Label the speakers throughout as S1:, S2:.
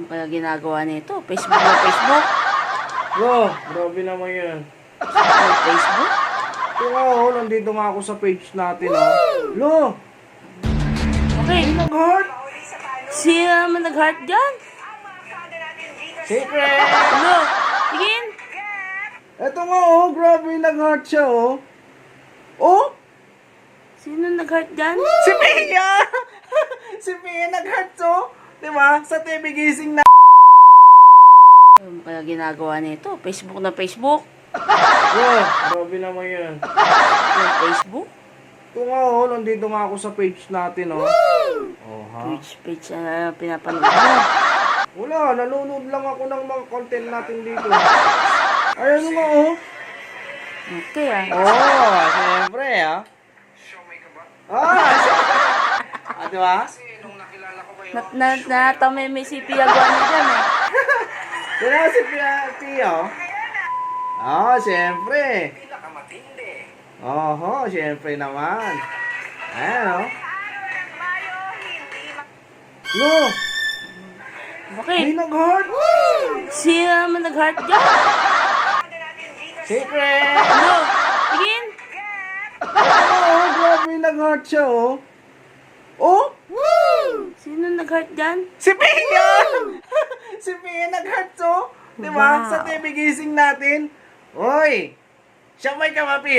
S1: Ano kaya ginagawa nito? Facebook na Facebook?
S2: Lo, grabe naman yan.
S1: Facebook?
S2: Ito nga nandito nga ako sa page natin Lo,
S1: Okay.
S2: nag-heart.
S1: Sino naman nag-heart dyan?
S2: Secret.
S1: Ano? Tingin?
S2: Ito nga grabe nag-heart siya Oh,
S1: Sino nag-heart dyan?
S2: si Pia! Si Pia nag-heart Diba? Sa TV gising na.
S1: Ano kaya ginagawa nito? Facebook na Facebook?
S2: Lo, grabe naman yan.
S1: Facebook?
S2: Ito nga nandito nga ako sa page natin Oh, ha?
S1: Page na pinapanood mo.
S2: Wala, nanonood lang ako ng mga content natin dito. Ayun nga
S1: Okay
S2: siyempre diba?
S1: Natamay may si Pia Guan dyan eh.
S2: Kaya si Pia siyempre. Siyempre naman. Ayan Lo,
S1: Okay.
S2: may nag-heart.
S1: Sino naman nag-heart dyan?
S2: Secret.
S1: Ano? Tingin?
S2: Grabe nag-heart siya
S1: Sino nag-heart dyan?
S2: Si Pia! Si Pia nag-heart Diba?
S1: Wow.
S2: Sa TV gising natin. Hoy! Siya may kamapi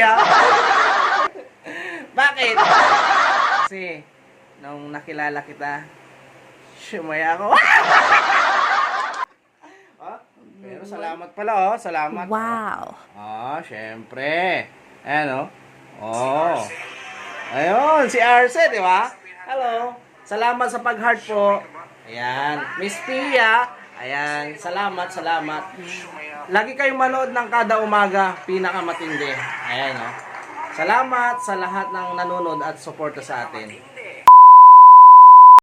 S2: Bakit? Kasi, nung nakilala kita, siyamay ako. Pero salamat pala salamat.
S1: Wow.
S2: Syempre. Ayan Ayun, si Arce, di ba? Hello. Salamat sa pag-heart po. Ayan. Miss Pia. Ayan. Salamat. Lagi kayong manood ng kada umaga. Pinakamatindi. Ayan Salamat sa lahat ng nanonood at suporta sa atin.